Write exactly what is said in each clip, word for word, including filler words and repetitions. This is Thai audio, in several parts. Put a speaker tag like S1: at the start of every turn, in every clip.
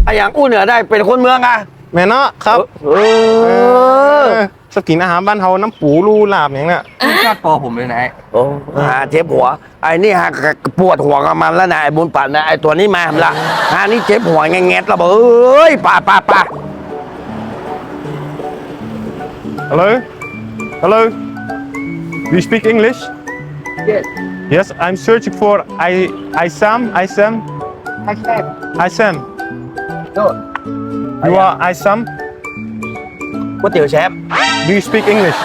S1: ไอ้อย่างอู้เหนือได้เป็นคนเมืองอะ
S2: แม่เนาะครับ
S1: เออ
S2: สกินอาหารบ้านเฮาน้ำปูรูลาบอย่างเนี้ย
S3: ชาติปอผมเลยนะ
S1: โอ้หาเจ็บหัวไอ้นี่ฮะปวดหัวกับมันแล้วนะไอ้บุญปั่นนะไอ้ตัวนี้มาละฮานี่เจ็บหัวแงะๆแล้วบอกเอ้ยป่าป่าป่า
S2: Hello Hello Do you speak English
S3: Yes
S2: Yes I'm searching for I I Sam I Sam
S3: I said
S2: I Sam
S3: No
S2: You are I Sam
S1: ก๋วยเตี๋ยวแชมป์
S2: Do you speak English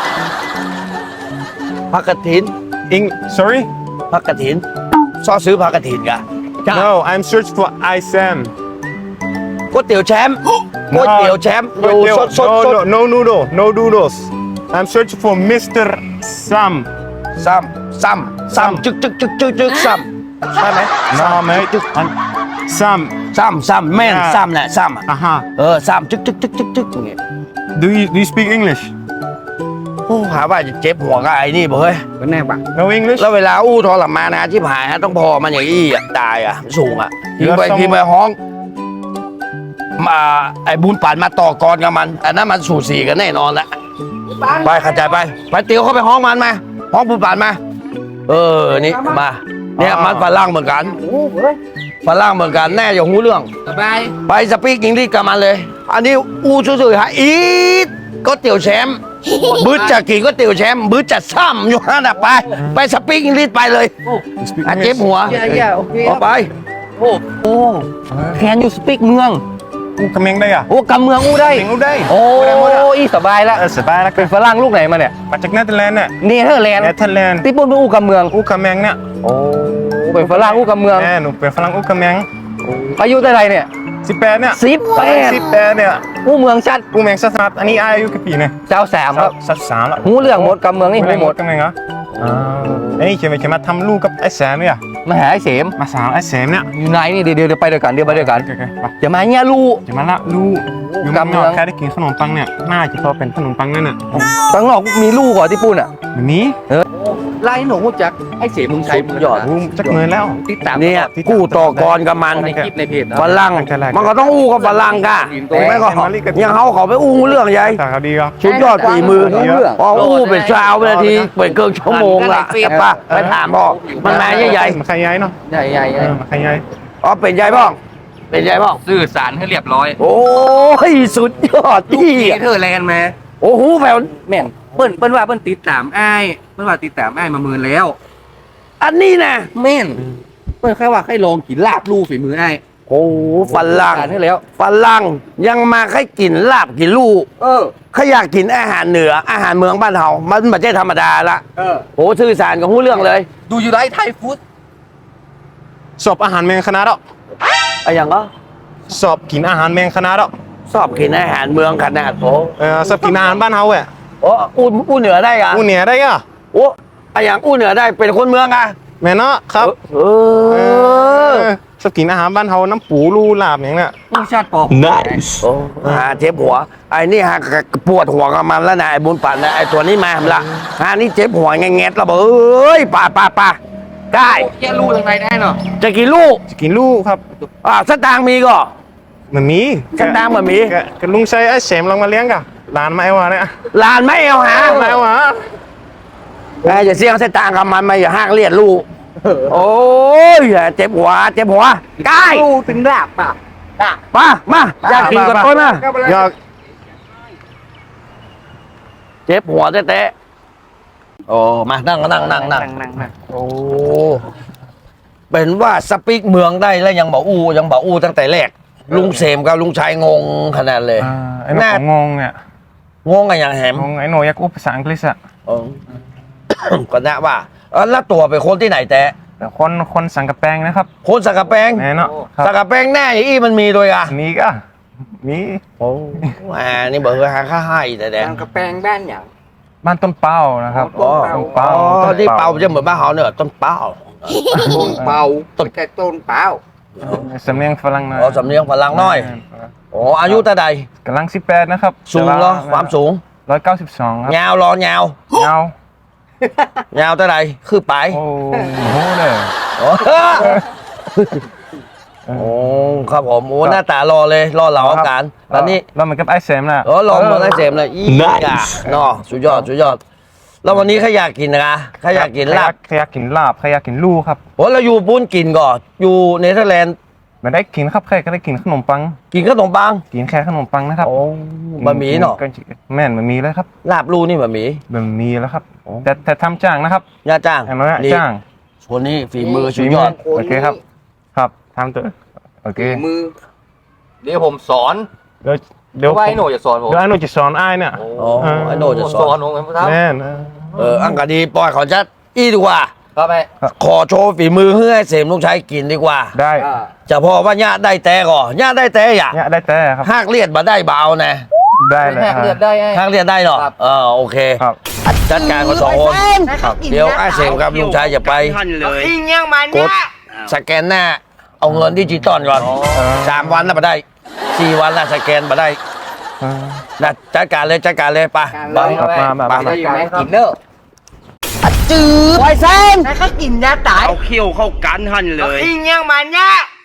S1: ผักกระถิน
S2: Eng Sorry
S1: ผักกระถินซอซื้อผักกระถินกะ
S2: No I'm searching for I Sam
S1: ก๋วยเตี๋ยวแชมป์ก๋วยเตี๋ยวแชมป์อยู่สดสดสด
S2: No no noodle no noodles I'm searching for Mister Sam
S1: ซ้ำซ้ำซ้ำจึกจึกจึกจึกจึกซ้ำใช่ไหม
S2: No mate I'm Sam
S1: ซ้ำซ้ำแม่นซ้ำแหละซ้ำ
S2: อ่ะฮะ
S1: เออซ้ำจึกจึกจึกจึกจึกอย่างเงี้ย
S2: Do you Do you speak English
S1: โอ้หาว่าจะเจ็บหัวกับไอ้นี่บ่เฮ้ย
S3: เป็นแน่บัง
S2: No English
S1: แล้วเวลาอู้ทรมานนะที่ผายฮะต้องพอมันอย่างอี้อ่ะตายอ่ะสูงอ่ะพิมไป
S2: แล้ว
S1: พิมไปห้องมาไอ้บุญป่านมาต่อกรกับมันอันนั้นมันสูสีกันแน่นอนละไปเข้าใจไปไปเตียวเข้าไปห้องมันมาห้องบุญป่านมาเออนี่มาเนี่ยมันฝรั่งเหมือนกันฝรั่งเหมือนกันแน่อย่าหูเรื่อง
S3: สบาย
S1: ไปสปีกอังกฤษกับมันเลย อันนี้อู้ซื่อๆฮะอีทก็เตี๋ยวแชมป์บึ้ดจะกินก็เตี๋ยวแชมป์บึ้ดจะซ้ำอยู่นั่นน่ะไปไปสปีกอังกฤษไปเลย
S2: You speak
S1: อ่ะเจ็บ
S2: English
S1: หัว
S3: อย่าอย่าโอเค
S1: ออกไปโอ้โอ้แคนยูสปีกเมือง
S2: กูคำเมงได้อ่ะ
S1: โอ้กำเมืองอู้ได้
S2: เมงกูได้
S3: โอ้อีสบายละ
S2: เออสบายแล้ว
S3: เป็นฝรั่งลูกไหนมาเนี่ย
S2: มาจากเนเธอร์แลนด์เนี่ย
S3: เนเธอร์แลนด์
S2: เนเธอร์แลนด์
S3: ที่ปุ่นเป็นอู่กับเมือง
S2: อูคำเมงเนี่ย
S3: โอ้เป็นฝรั่งอู่กับเมือง
S2: แน่หนูเป็นฝรั่งอูคำเมง
S3: อายุเท่าไหรเนี่ย
S2: สิบแปดเนี่ย
S3: สิบแปด
S2: สิบแปดเนี่ย
S3: อู่เมืองชัด
S2: อูแมงสัตว์อันนี้อายุกี่ปีเนี่ย
S3: เจ้าสามครับ
S2: สัตว์สามแล้ว
S3: หูเรื่องหมดกับเมืองนี่หูหมด
S2: คำเมงเหรออ่าอันนี้เขียนไปเขียนมาทำลูกกับไอ้แสมเนี่ย
S3: มาหาไอ้เสม
S2: มาสาวไอ้แสมเนี่ย
S3: อยู่ไหนนี่เดี๋ยวเดี๋ยวไปด้วยกันเดี๋ยวไปด้วยกัน
S2: โอเคๆไป
S3: อย่ามาเนี่ยลูก
S2: จะมาละลูกอยู่
S3: กำ
S2: กำ
S3: เมื
S2: เมื
S3: อ
S2: อง งแค่ได้กินขนมปังเนี่ยน่าจะพอเป็นขนมปังนั่นน่ะ
S3: ข้างนอกมีลูกเหรอที่ปุ่นอ่ะ
S2: แบบนี้
S3: ไล่หนูจักไอ้เสมมึงใช้มือ
S1: หยอด
S2: กูจักเงินแล้ว
S3: ติดตาม
S1: เนี่ยกู้ต่อกรกับมัน
S3: ในคลิปในเพจ
S1: ฝรั่งมันก็ต้องอู้กับฝรั่งกะถูกไหมก็ยังเขาเขาไปอู้เรื่องใหญ่
S2: แต่เขาดีก็
S1: ชุดยอดฝีมือพออู้เป็นชาวนาทีเป็นเกินชั่วโมงละป่ะไปถามพ่อมันมาใหญ่
S2: มันใครย้ายเนาะ
S3: ใหญ่ใหญ่
S2: เออมันใครย้าย
S1: ๆอ๋อเป็นใหญ่บ้องเป็นใหญ่บ้อง
S3: สื่อสารให้เรียบร้อย
S1: โอ้ยสุดยอดที่
S3: เธอแลนด์มา
S1: โอ้โหแผ่ว
S3: แม่นเปิ้นเปิ้นว่าเปิ้นติดตามอ้ายเปิ้นว่าติดตามอ้ายมาหมื่นแล้ว
S1: อันนี้นะ
S3: แม่นเปิ้นแค่ว่าให้ลองกินลาบลู่ฝีมืออ้าย
S1: โอ้ฝรั่ง
S3: สารให้แล้ว
S1: ฝรั่งยังมาให้กินลาบกินลูก
S3: เออ
S1: เขาอยากกินอาหารเหนืออาหารเมืองบ้านเฮามันไม่ใช่ธรรมดาละ
S3: เออ
S1: โอ้สื่อสารกับหูเรื่องเลย
S3: ดูอยู่ได้ไทยฟู้ด
S2: สอบอาหารเมงคณะดอก
S1: ไอ้อย่างก็
S2: สอบกินอาหารเมงคณะดอก
S1: ชอบกินอาหารเมืองขนาดโอ้
S2: เออสอบกินอาหารบ้านเฮาอ่ะ
S1: โอ้อู้อู้เหนือได้กะ
S2: อูเนี่ยได้อ่ะ
S1: โอ้ไอ้อย่างอู้เหนือได้เป็นคนเมืองอะ
S2: แม่เนาะครับ
S1: เออ
S2: สอบกินอาหารบ้านเฮาน้ำปูรูลาบอย่างเนี้ย
S3: รสชาติปอ
S1: โอ้หาเจ็บหัวไอ้นี่ฮะปวดหัวกับมันแล้วนะไอ้บุญปั่นนะไอ้ตัวนี้มาละฮานี่เจ็บหัวแงะๆแล้วบอกเอ้ยป่าป่าป่าได้
S3: แย่ลู่ทางไหนได้เนาะ
S1: จะกินลูก
S2: จะกินลูกครับ
S1: อ่าสตางค์มีก็
S2: มันมี
S1: สตางค์มันมี
S2: กะกะลุงใช้ไอ้แสมลองมาเลี้ยงกะหลานมาไอ้วะเนี่ย
S1: หลานไม่เอาหา
S2: มาไอ้วะ
S1: แม่อย่าเสี่ยงสตางค์กับมันมาอย่าห้างเลียดลูกโอ้ยเจ็บหัวเจ็บหัวใกล้
S3: ลู่ถึงลาบป่ะ
S1: มามาอยากกินกับต้นมา
S2: อยาก
S1: เจ็บหัวเตะๆโอ้มานั่งนั่งนั่งนั่ง
S3: นั่งนั่ง
S1: โอ้เป็นว่าสปีกเมืองได้แล้วยังบอกอู้ยังบอกอู้ตั้งแต่แรกลุงเสมกับลุงชัยงงขนาดเลย
S2: อ่าไอ้หนูของงงเนี่ย
S1: งงกันอย่างแหม
S2: งงไอ้หนูอยากอู้ภาษาอังกฤษอะ
S1: เออ ก็นะว่าเออแล้วตัวเป็นคนที่ไหนแต่
S2: แต่คนคนสังกะแปงนะครับ
S1: คนสักกะแปง
S2: แน่เนาะครับ
S1: สักกะแปงแน่อย่างอี้มันมีด้วยอ่ะ
S2: มีก็มี
S1: โอ้อ่านี่เบอร์หาค่าให้แต่แดง
S3: ทางกระแปงบ้านอย่าง
S2: บ้านต้นเป้านะครับ
S3: อ๋อ
S2: ต้นเป้า
S1: อ๋อ
S2: ต้น
S1: ที่เป่าจะเหมือนบ้านเขาเนี่ยต้นเป่า
S3: ต้นเปาต้นแค่ต้นเปา
S2: สำเนียงฝรั่งนะ
S1: อ๋อสำเนียงพลังน้อยโอ้อายุเท่าใด
S2: กำลังสิบแปดนะครับ
S1: สูงเหรอความสูง
S2: ร้อยเก้าสิบสองครับ
S1: ยาวรอยาว
S2: เงาย
S1: าวเท่าใดคือไป
S2: โอ้โหเลย
S1: โอ้
S2: เอ
S1: โอ้ครับผมโอ้หน้าตารอเลยรอเหล่าอาการตอนนี้
S2: เราเหมือนกับไอเซมนะ
S1: เออลองมาได้เจมส์เลยอีกอ่ะเนาะสุดยอดสุดยอดแล้ววันนี้ใครอยากกินนะใครอยากกินลาบ
S2: ใครอยากกินลาบใครอยากกินลู่ครับ
S1: โอ้เราอยู่ปุ้นกินก่อนอยู่เนเธอร์แลนด์
S2: ไม่ได้กินครับใครก็ได้กินขนมปัง
S1: กินขนมปัง
S2: กินแค่ขนมปังนะครับ
S1: โอ้บะหมี่เนาะ
S2: แม่นบะหมี่เลยครับ
S1: ลาบลูนี่บะหมี่
S2: บะหมี่แล้วครับแต่แต่ทำจ้างนะครับ
S1: ย่าจ้าง
S2: อันนั้น
S1: นี่
S2: จ้าง
S1: คนนี้ฝีมือสุดยอด
S2: โอเคครับ ครับทำตัวโอเค
S3: มือ เดี๋ยวผมสอน
S2: เดี๋ยวเดี๋ยว
S3: ว่าไอ้หนูจะสอนผม
S2: เดี๋ยวไอ้หนูจะสอนไอ้ายเนี่ย
S1: โอ้ไอ้โนจะส
S3: ส
S1: อ
S3: อน
S1: น
S3: ผมครับ
S2: แม่นเออ
S1: เอออังกะดีปล่อยขอจัดอีดีกว่า
S3: ครับแม่
S1: ขอโชว์ฝีมือให้เสมลูกชายกินดีกว่า
S2: ได้
S3: อ่า
S1: จะพอว่าญาติได้แต่ก่อนญาติได้แต่อย่า
S2: เนี่ยได้แต่ครับ
S1: หากเลียดมาได้เบานะ
S2: ได้เลย
S3: แหกเลือดได้ไอ้
S1: หากเลียดได้เหรอ
S3: ครับ
S1: เออโอเค
S2: ครับ
S1: จัดการกันสองคนเดี๋ยวไอ้เสมกับลุงชายจะไป
S4: อิงยังมัน
S1: ก
S4: เนี่
S1: ด
S4: ย
S1: สแกนหน้า เอาเงินดิจิตอลก่อน
S2: เออ
S1: สามวันแล้วมาได้สี่วันแล้วสแกนมาได้
S2: เออ
S1: นะจัดการเลยจัดการเลยไป
S2: ครับมามามา
S3: ได้อยู่ไหมกินเนอะ
S1: จืดไวเซน
S4: แล้วก็กินยาตาย
S5: เอาเขี้ยวเข้ากันหันเลย
S4: อิงยังมันเนี่ย